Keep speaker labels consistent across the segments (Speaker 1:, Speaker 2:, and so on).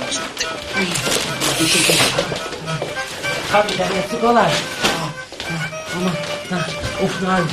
Speaker 1: Tabii demesi kolay. Aman. Of Narin.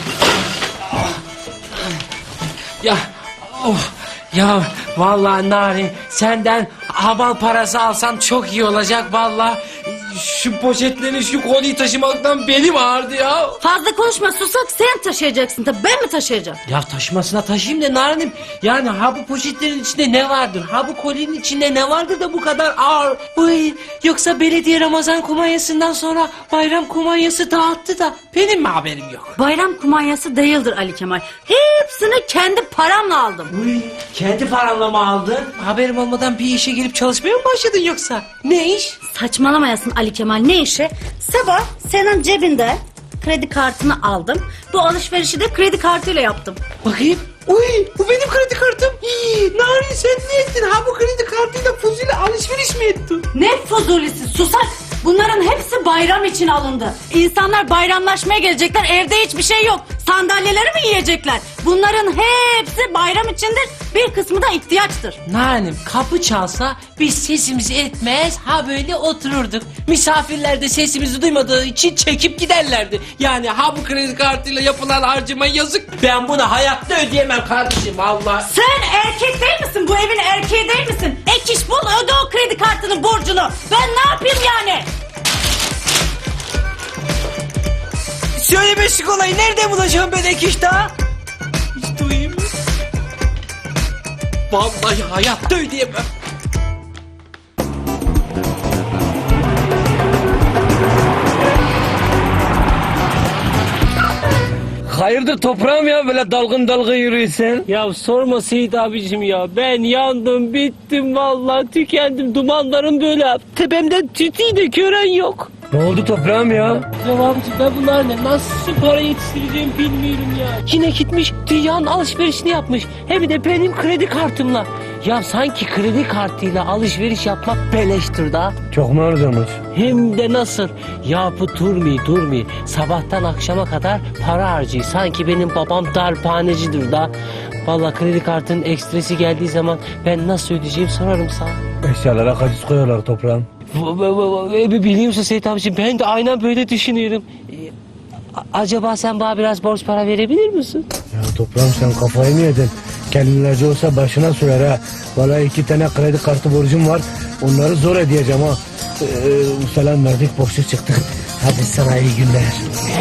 Speaker 1: Ya. Ya vallahi Narin senden hamal parası alsam çok iyi olacak vallahi. Şu poşetleri şu koliyi taşımaktan belim ağrıdı ya.
Speaker 2: Fazla konuşma susak, sen taşıyacaksın tabii, ben mi taşıyacağım?
Speaker 1: Ya taşımasına taşıyayım da Narin'im. Yani ha bu poşetlerin içinde ne vardır? Ha bu kolinin içinde ne vardır da bu kadar ağır? Uy, yoksa belediye Ramazan kumanyasından sonra bayram kumanyası dağıttı da benim mi haberim yok?
Speaker 2: Bayram kumanyası değildir Ali Kemal. Hepsini kendi paramla aldım.
Speaker 1: Uy, kendi paranla mı aldın? Haberim olmadan bir işe girip çalışmaya mı başladın yoksa? Ne iş?
Speaker 2: Saçmalamayasın Ali Kemal, ne işi? Sabah senin cebinde kredi kartını aldım. Bu alışverişi de kredi kartıyla yaptım.
Speaker 1: Bakayım. Uy, bu benim kredi kartım. Narin sen ne ettin? Ha bu kredi kartıyla fuzuli alışveriş mi ettin?
Speaker 2: Ne fuzulisi susak! Bunların hepsi bayram için alındı. İnsanlar bayramlaşmaya gelecekler, evde hiçbir şey yok. Sandalyeleri mi yiyecekler? Bunların hepsi bayram içindir, bir kısmı da ihtiyaçtır.
Speaker 1: Narim kapı çalsa biz sesimizi etmez ha böyle otururduk. Misafirler de sesimizi duymadığı için çekip giderlerdi. Yani ha bu kredi kartıyla yapılan harcama yazık. Ben bunu hayatta ödeyemem kardeşim Allah.
Speaker 2: Sen erkek değil misin? Bu evin erkeği değil misin? Ek iş bul, öde o kredi kartının borcunu. Ben ne yapayım yani?
Speaker 1: Söylemesi kolay. Nerede bulacağım ben ek iş daha? Hiç duyayım. Vallahi hayatta ödeyemem.
Speaker 3: Hayırdır toprağım ya böyle dalgın dalgın yürüyorsun?
Speaker 4: Ya sorma Seyit abicim ya. Ben yandım, bittim vallahi, tükendim. Dumanlarım böyle tepemden tütüğü de gören yok.
Speaker 3: Ne oldu toprağım ya?
Speaker 4: Ya abicim ben bunlarla nasıl para yetiştireceğim bilmiyorum ya. Yine gitmiş dünyanın alışverişini yapmış. Hem de benim kredi kartımla. Ya sanki kredi kartıyla alışveriş yapmak beleştir da.
Speaker 3: Çok mu harcamış?
Speaker 4: Hem de nasıl? Ya bu durmuyor. Sabahtan akşama kadar para harcıyor. Sanki benim babam darphanecidir da. Vallahi kredi kartının ekstresi geldiği zaman ben nasıl ödeyeceğim sorarım sana.
Speaker 3: Eşyalara kaçış koyuyorlar toprağım.
Speaker 4: Biliyor musun Seyit abiciğim, ben de aynen böyle düşünüyorum. Acaba sen bana biraz borç para verebilir misin?
Speaker 3: Ya toprağım sen kafayı mı yedin? Kendilerce olsa başına sürer ha. Vallahi 2 tane kredi kartı borcum var. Onları zor ödeyeceğim ha. Selam verdik borçlu çıktık. Hadi sana iyi günler.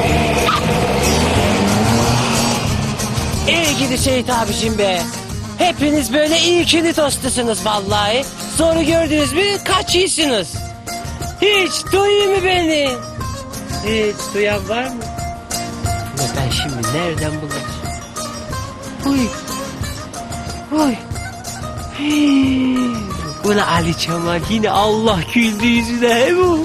Speaker 4: İyi gidi Seyit abiciğim be. Hepiniz böyle iyi kini tostusunuz vallahi. Zoru gördünüz mü kaçıyorsunuz. Hiç duyuyor mu beni? Hiç duyan var mı? Ama ben şimdi nereden bulacağım? Uy. Ulan Ali Kemal yine Allah güldü yüzüne he bu.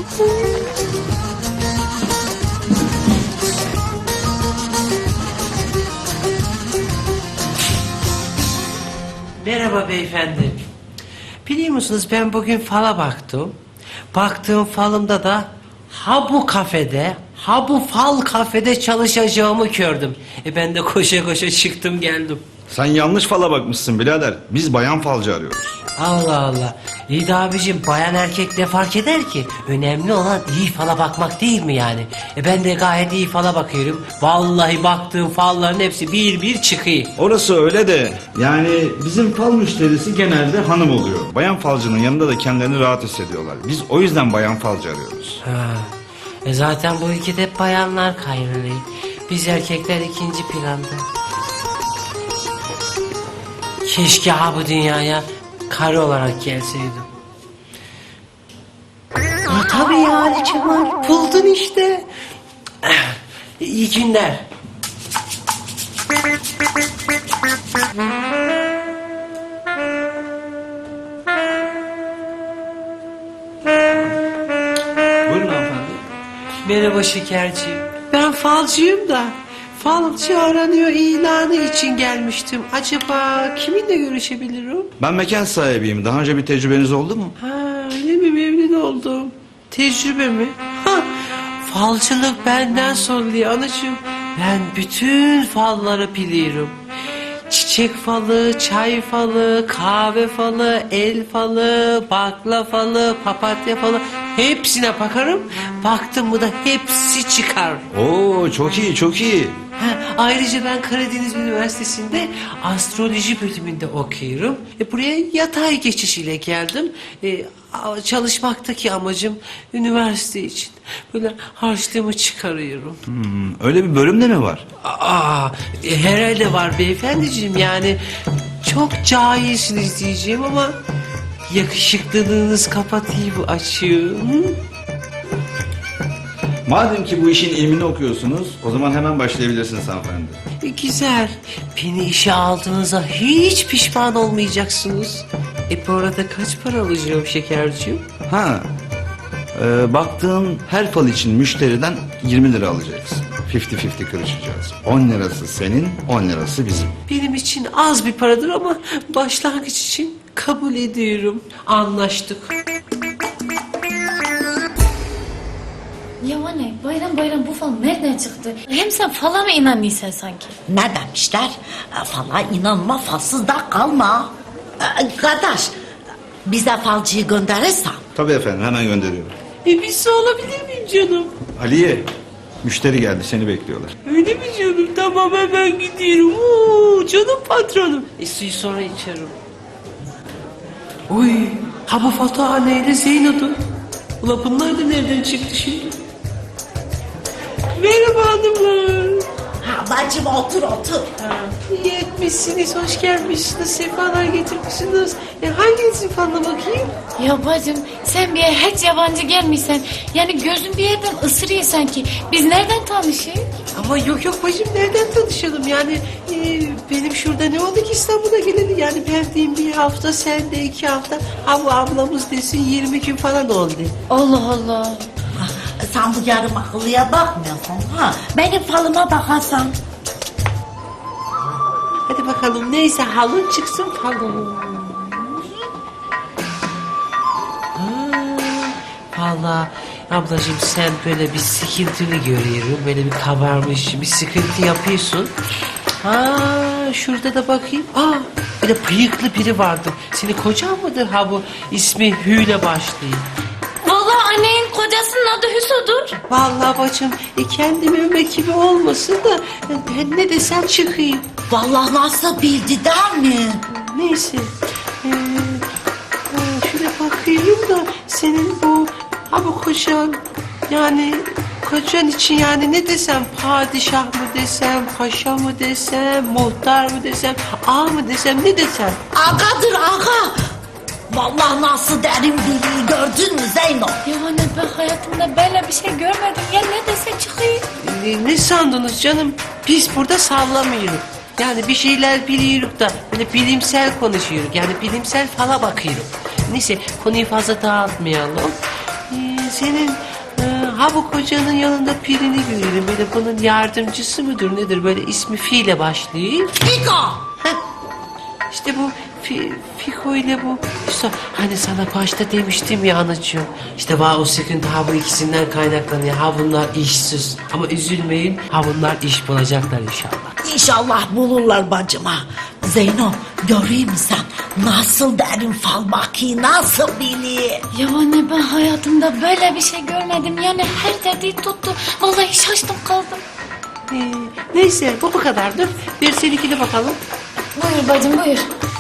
Speaker 1: Merhaba beyefendi. Biliyor musunuz ben bugün fala baktım. Baktığım falımda da ha bu kafede, ha bu fal kafede çalışacağımı gördüm. Ben de koşa koşa çıktım geldim.
Speaker 5: Sen yanlış fala bakmışsın birader. Biz bayan falcı arıyoruz.
Speaker 1: Allah Allah. İyi de abicim bayan erkek ne fark eder ki? Önemli olan iyi fala bakmak değil mi yani? Ben de gayet iyi fala bakıyorum. Vallahi baktığım falların hepsi bir bir çıkıyor.
Speaker 5: Orası öyle de yani bizim fal müşterisi genelde hanım oluyor. Bayan falcının yanında da kendilerini rahat hissediyorlar. Biz o yüzden bayan falcı arıyoruz.
Speaker 1: Ha. Zaten bu ülkede hep bayanlar kayrılıyor. Biz erkekler ikinci planda. Keşke ha bu dünyaya karı olarak gelseydim. Tabii ya Ali Kemal, buldun işte. İyi günler.
Speaker 5: Buyurun hanımefendi.
Speaker 1: Merhaba şekerciğim. Ben falcıyım da falcı aranıyor ilanı için gelmiştim. Acaba kiminle görüşebilirim?
Speaker 5: Ben mekan sahibiyim. Daha önce bir tecrübeniz oldu mu?
Speaker 1: Ha, öyle mi, memnun oldum. Tecrübe mi? Ha, falcılık benden soruluyor anacığım. Ben bütün falları biliyorum. Çiçek çiçek falı, çay falı, kahve falı, el falı, bakla falı, papatya falı hepsine bakarım. Baktım mı da hepsi çıkar.
Speaker 5: Oo, çok iyi, çok iyi.
Speaker 1: Ha, ayrıca ben Karadeniz Üniversitesi'nde astroloji bölümünde okuyorum. Buraya yatay geçişiyle geldim. Çalışmaktaki amacım üniversite için. Böyle harçlığımı çıkarıyorum.
Speaker 5: Öyle bir bölüm de mi var?
Speaker 1: Herhalde var beyefendiciğim, yani çok cahilsiniz diyeceğim ama yakışıklılığınız kapatıyor bu açığı. Hı?
Speaker 5: Madem ki bu işin ilmini okuyorsunuz, o zaman hemen başlayabilirsiniz hanımefendi.
Speaker 1: Güzel. Beni işe aldığınıza hiç pişman olmayacaksınız. Bu arada kaç para alacağım şekerciğim?
Speaker 5: Ha, baktığın her fal için müşteriden 20 lira alacaksın. 50-50 kırışacağız. 10 lirası senin, 10 lirası bizim.
Speaker 1: Benim için az bir paradır ama başlangıç için kabul ediyorum. Anlaştık.
Speaker 6: Ya anne bayram bayram bu fal nereden çıktı? Hem sen fala mı inanıyorsun sanki?
Speaker 7: Ne demişler? Fala inanma, falsız da kalma. Kardeş, bize falcıyı gönderirsen.
Speaker 5: Tabii efendim, hemen gönderiyorum.
Speaker 1: Bir su alabilir miyim canım?
Speaker 5: Aliye, müşteri geldi, seni bekliyorlar.
Speaker 1: Öyle mi canım? Tamam, hemen gidiyorum. Oo, canım patronum. Suyu sonra içerim. Uy, ha bu Fatihane ile Zeyno'du. Ula bunlar da nereden çıktı şimdi? Merhaba hanımlar.
Speaker 7: Ha, bacım otur otur.
Speaker 1: İyi etmişsiniz, hoş gelmişsiniz, sefalar getirmişsiniz. Hanginizin fanına bakayım?
Speaker 6: Ya bacım sen bir yere hiç yabancı gelmişsen. Yani gözün bir yerden ısırıyor sanki. Biz nereden tanışıyoruz?
Speaker 1: Ama yok bacım, nereden tanışalım yani? Benim şurada ne oldu ki İstanbul'a geleli? Yani ben diyeyim bir hafta, sen de 2 hafta. Ama ablamız desin 20 gün falan oldu.
Speaker 6: Allah Allah.
Speaker 7: Sen bu yarım akıllıya bakmıyorsun ha. Benim falıma bakarsan.
Speaker 1: Hadi bakalım, neyse halın çıksın falın. Valla ablacığım, sen böyle bir sıkıntılı görüyorum. Böyle bir kabarmış, bir sıkıntı yapıyorsun. Şurada da bakayım. Bir de bıyıklı biri vardı. Senin kocan mıdır ha bu? İsmi Hü ile başlıyor.
Speaker 6: Vallahi annenin kocasının adı Hüso'dur.
Speaker 1: Vallahi bacım, kendimi övmek gibi olmasın da ben ne desem çıkayım.
Speaker 7: Vallahi nasıl bildi değil mi?
Speaker 1: Neyse. Şöyle bakayım da senin bu kocan, yani kocan için yani ne desem, padişah mı desem, paşa mı desem, muhtar mı desem, ağa mı desem, ne desem?
Speaker 7: Agadır aga. Vallahi nasıl derin biliği gördün mü Zeyno?
Speaker 6: Ya anne ben hayatımda böyle bir şey görmedim. Ya ne dese çıkıyor.
Speaker 1: Ne sandınız canım? Biz burada sallamıyoruz. Yani bir şeyler biliyoruz da böyle bilimsel konuşuyoruz. Yani bilimsel fala bakıyoruz. Neyse, konuyu fazla dağıtmayalım. Senin bu kocanın yanında birini görüyorum. Böyle bunun yardımcısı mıdır nedir? Böyle ismi Fi ile başlıyor.
Speaker 7: Fiko.
Speaker 1: İşte bu Fiko ile bu Yusuf. Hani sana başta demiştim ya anacığım. İşte o sıkıntı bu ikisinden kaynaklanıyor. Bunlar işsiz. Ama üzülmeyin. Bunlar iş bulacaklar inşallah.
Speaker 7: İnşallah bulurlar bacıma. Zeyno göreyim mi sen? Nasıl derin fal bakıyor, nasıl biliyor?
Speaker 6: Ya anne ben hayatımda böyle bir şey görmedim. Yani her dediği tuttu. Vallahi şaştım kaldım.
Speaker 1: Neyse, bu kadardır. Bir seninkine bakalım.
Speaker 6: Buyur bacım buyur.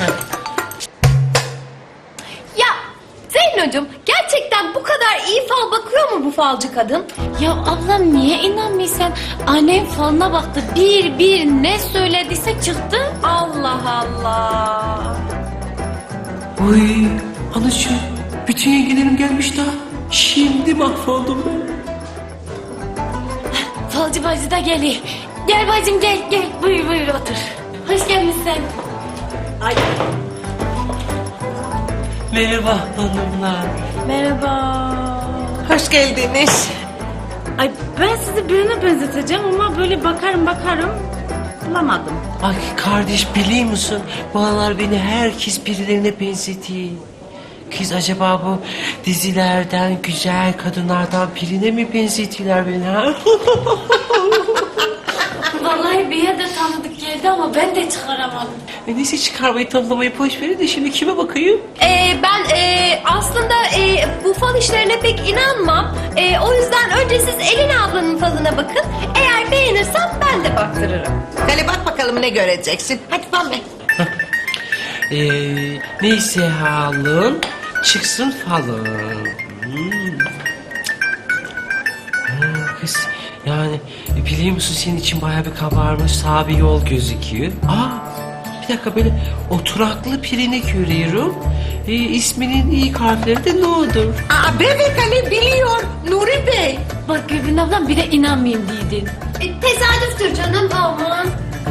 Speaker 8: Ya Zeynocuğum, gerçekten bu kadar iyi fal bakıyor mu bu falcı kadın?
Speaker 6: Ya ablam niye inanmıyorsun? Annem falına baktı. Bir ne söylediyse çıktı.
Speaker 8: Allah Allah.
Speaker 1: Uy, anacığım, bütün yengelerim gelmiş daha. Şimdi mahvoldum ben.
Speaker 6: Falcı bacı da geliyor. Gel bacım gel. Buyur otur. Hoş gelmişsin.
Speaker 1: Merhaba hanımlar.
Speaker 6: Merhaba.
Speaker 1: Hoş geldiniz.
Speaker 2: Ay ben sizi birine benzeteceğim ama böyle bakarım bulamadım.
Speaker 1: Ay kardeş, biliyor musun? Bu aralar beni herkes birilerine benzetiyor. Kız, acaba bu dizilerden, güzel kadınlardan birine mi benzetiyorlar beni ha?
Speaker 6: Vallahi bir yerde tanıdık geliyor. söyledi ama ben de çıkaramadım.
Speaker 1: Neyse çıkarmayı tamlamayı boş verin de şimdi kime bakayım?
Speaker 8: Ben aslında bu fal işlerine pek inanmam. O yüzden önce siz Elin ablanın falına bakın. Eğer beğenirsem ben de baktırırım.
Speaker 7: Hele bak bakalım ne göreceksin. Hadi Pambe.
Speaker 1: Neyse halın çıksın falın. Kız yani biliyor musun senin için bayağı bir kabarmış sağ bir yol gözüküyor. Bir dakika böyle oturaklı birini görüyorum. İsminin ilk harfleri de N'dur.
Speaker 7: Bebek Ali biliyor Nuri Bey.
Speaker 6: Bak Gülbin ablam bir de inanmayayım dedin.
Speaker 8: Tesadüftür canım aman.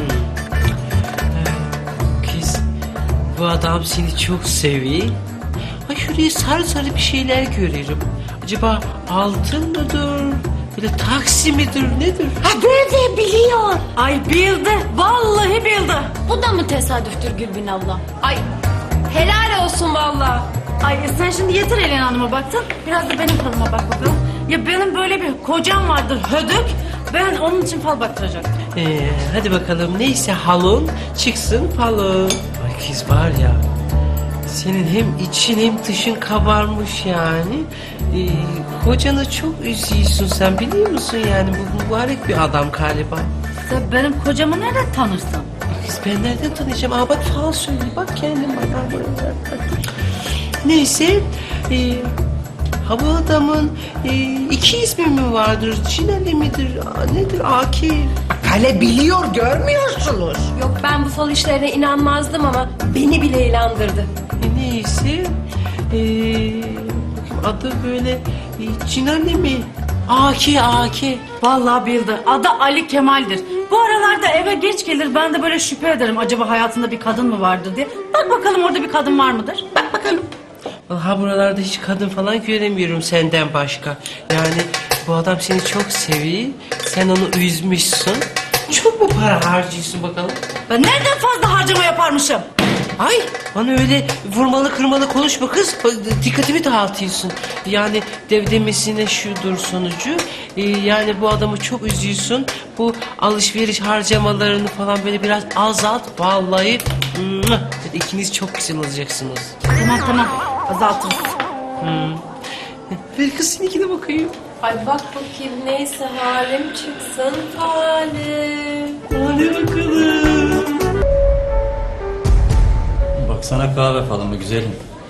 Speaker 1: Kız bu adam seni çok seviyor. Ay şuraya sarı sarı bir şeyler görüyorum. Acaba altın mıdır? Böyle taksi midir nedir?
Speaker 7: Bebe biliyor.
Speaker 2: Ay bildi. Vallahi bildi.
Speaker 6: Bu da mı tesadüftür Gülbin abla?
Speaker 8: Ay helal olsun valla.
Speaker 2: Ay sen şimdi yeter Elin Hanım'a baktın. Biraz da benim falıma bak bakalım. Ya benim böyle bir kocam vardır hödük. Ben onun için fal baktıracaktım.
Speaker 1: Hadi bakalım neyse halun çıksın falın. Ay kız var ya senin hem için hem dışın kabarmış yani. Kocanı çok üzüyorsun sen biliyor musun yani bu mübarek bir adam galiba.
Speaker 2: Sen benim kocamı nereden tanırsın?
Speaker 1: Kız ben nereden tanıyacağım? Bak fal söyle bak kendin bak. Neyse bu adamın iki ismi mi vardır? Çineli midir? Nedir? Akif.
Speaker 7: Hele biliyor görmüyorsunuz.
Speaker 8: Yok ben bu fal işlerine inanmazdım ama beni bile inandırdı.
Speaker 1: Neyse adı böyle Çineli mi? Aki.
Speaker 2: Vallahi bildi. Adı Ali Kemal'dir. Bu aralarda eve geç gelir. Ben de böyle şüphe ederim. Acaba hayatında bir kadın mı vardır diye. Bak bakalım orada bir kadın var mıdır? Bak bakalım.
Speaker 1: Vallahi buralarda hiç kadın falan göremiyorum senden başka. Yani bu adam seni çok seviyor. Sen onu üzmüşsün. Çok mu para harcıyorsun bakalım?
Speaker 2: Ben nereden fazla harcama yaparmışım?
Speaker 1: Ay bana öyle vurmalı kırmalı konuşma kız. Dikkatimi dağıtıyorsun. Yani demesine şudur sonucu. Yani bu adamı çok üzüyorsun. Bu alışveriş harcamalarını falan böyle biraz azalt. Vallahi ikiniz çok güzel olacaksınız.
Speaker 2: Tamam azaltırız.
Speaker 1: Ver kız seninkine bakayım.
Speaker 8: Ay bak bakayım neyse halim çıksın halim.
Speaker 1: Hadi bakalım.
Speaker 9: Baksana kahve falan mı güzelim?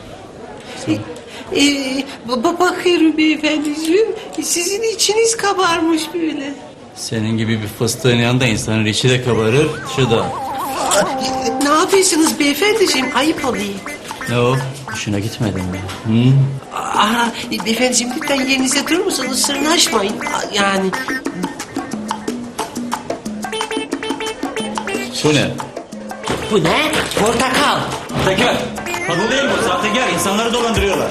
Speaker 1: Bakıyorum beyefendiciğim. Sizin içiniz kabarmış böyle.
Speaker 9: Senin gibi bir fıstığın yanında insanın içi de kabarır, şu da.
Speaker 1: Ne yapıyorsunuz beyefendiciğim? Ayıp oluyor.
Speaker 9: Ne o? Hoşuna gitmedi mi? Hı?
Speaker 1: Beyefendiciğim lütfen yerinizde durur musunuz? Sırnaşmayın. Yani
Speaker 9: Bu ne?
Speaker 1: bu ne? Portakal.
Speaker 9: Sahtekar! Kadın değil bu, sahtekar. İnsanları dolandırıyorlar.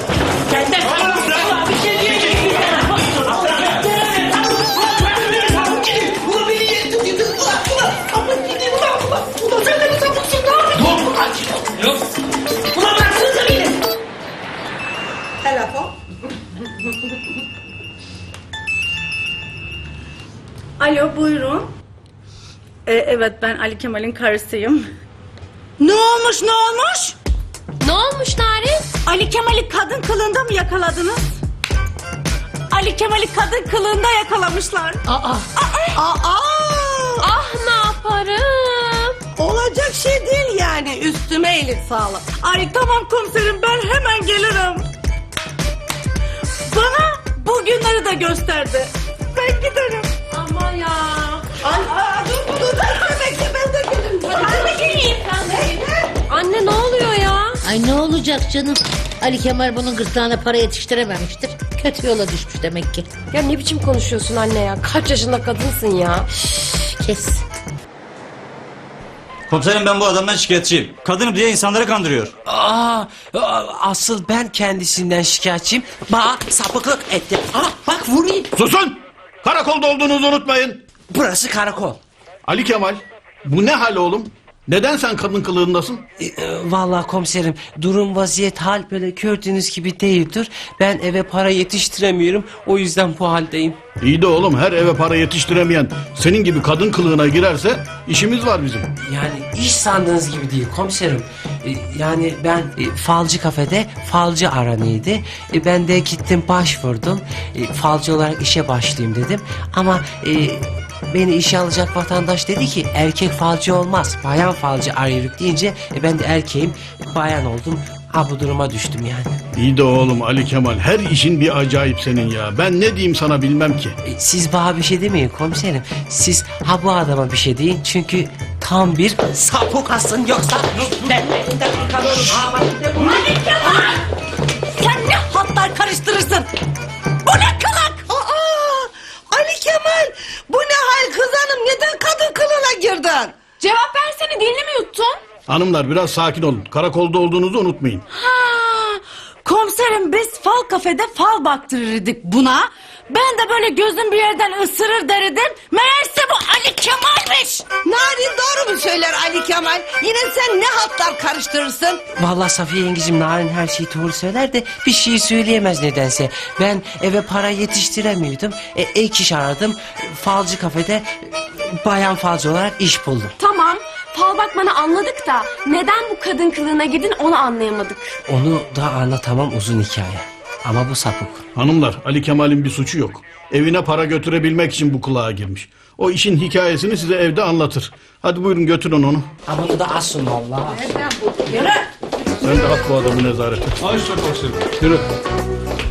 Speaker 2: Alo buyurun. Evet ben Ali Kemal'in karısıyım. Ne olmuş?
Speaker 8: Ne olmuş Narin?
Speaker 2: Ali Kemal'i kadın kılığında mı yakaladınız? Ali Kemal'i kadın kılığında yakalamışlar.
Speaker 8: Ah ne yaparım?
Speaker 2: Olacak şey değil yani üstüme iyilik sağlık. Ay tamam komiserim ben hemen gelirim. Bana bu günleri de gösterdi. Ben giderim.
Speaker 8: Ama ya.
Speaker 2: Dur bekle ben de gelirim.
Speaker 8: Ben de geleyim. Anne ne oluyor ya?
Speaker 10: Ay ne olacak canım? Ali Kemal bunun gırtlağına para yetiştirememiştir. Kötü yola düşmüş demek ki.
Speaker 8: Ya ne biçim konuşuyorsun anne ya? Kaç yaşında kadınsın ya?
Speaker 10: Kes.
Speaker 9: Komiserim ben bu adamdan şikayetçiyim. Kadınım diye insanları kandırıyor.
Speaker 1: Asıl ben kendisinden şikayetçiyim. Sapıklık etti. Bak vurayım.
Speaker 11: Susun! Karakolda olduğunuzu unutmayın.
Speaker 1: Burası karakol.
Speaker 11: Ali Kemal, bu ne hal oğlum? Neden sen kadın kılığındasın?
Speaker 1: Vallahi komiserim durum vaziyet hal böyle gördüğünüz gibi değildir. Ben eve para yetiştiremiyorum. O yüzden bu haldeyim.
Speaker 11: İyi de oğlum, her eve para yetiştiremeyen senin gibi kadın kılığına girerse işimiz var bizim.
Speaker 1: Yani iş sandığınız gibi değil komiserim. Yani ben falcı kafede falcı aranıydı. Ben de gittim başvurdum. Falcı olarak işe başlayayım dedim. Ama beni işe alacak vatandaş dedi ki erkek falcı olmaz. Bayan falcı arıyoruz deyince ben de erkeğim, bayan oldum. Ha bu duruma düştüm yani.
Speaker 11: İyi de oğlum Ali Kemal, her işin bir acayip senin ya. Ben ne diyeyim sana bilmem ki.
Speaker 1: Siz bana bir şey demeyin komiserim. Siz ha bu adama bir şey deyin. Çünkü tam bir sapukasın yoksa ben de kalırım.
Speaker 2: Ali Kemal! Sen ne hatlar karıştırırsın? Bu ne kılık?
Speaker 7: Ali Kemal, bu ne hal kız hanım? Neden kadın kılığına girdin?
Speaker 8: Cevap versene, dilini mi yuttun?
Speaker 11: Hanımlar biraz sakin olun. Karakolda olduğunuzu unutmayın.
Speaker 2: Komiserim biz fal kafede fal baktırırdık buna. Ben de böyle gözüm bir yerden ısırır derdim. Meğerse bu Ali Kemal'miş.
Speaker 7: Narin doğru mu söyler Ali Kemal? Yine sen ne hatlar karıştırırsın?
Speaker 1: Vallahi Safiye yengecim Narin her şeyi doğru söyler de bir şey söyleyemez nedense. Ben eve para yetiştiremiyordum. Ek iş aradım. Falcı kafede bayan falcı olarak iş buldum.
Speaker 8: Tamam, fal bakmanı anladık da neden bu kadın kılığına girdin onu anlayamadık.
Speaker 1: Onu da anlatamam, uzun hikaye. Ama bu sapık.
Speaker 11: Hanımlar, Ali Kemal'in bir suçu yok. Evine para götürebilmek için bu kılığa girmiş. O işin hikayesini size evde anlatır. Hadi buyurun götürün onu.
Speaker 1: Ama bunu da asın vallahi.
Speaker 11: Sen de at bu adamı nezarete.
Speaker 5: Ay çok hoşum.
Speaker 11: Yürü.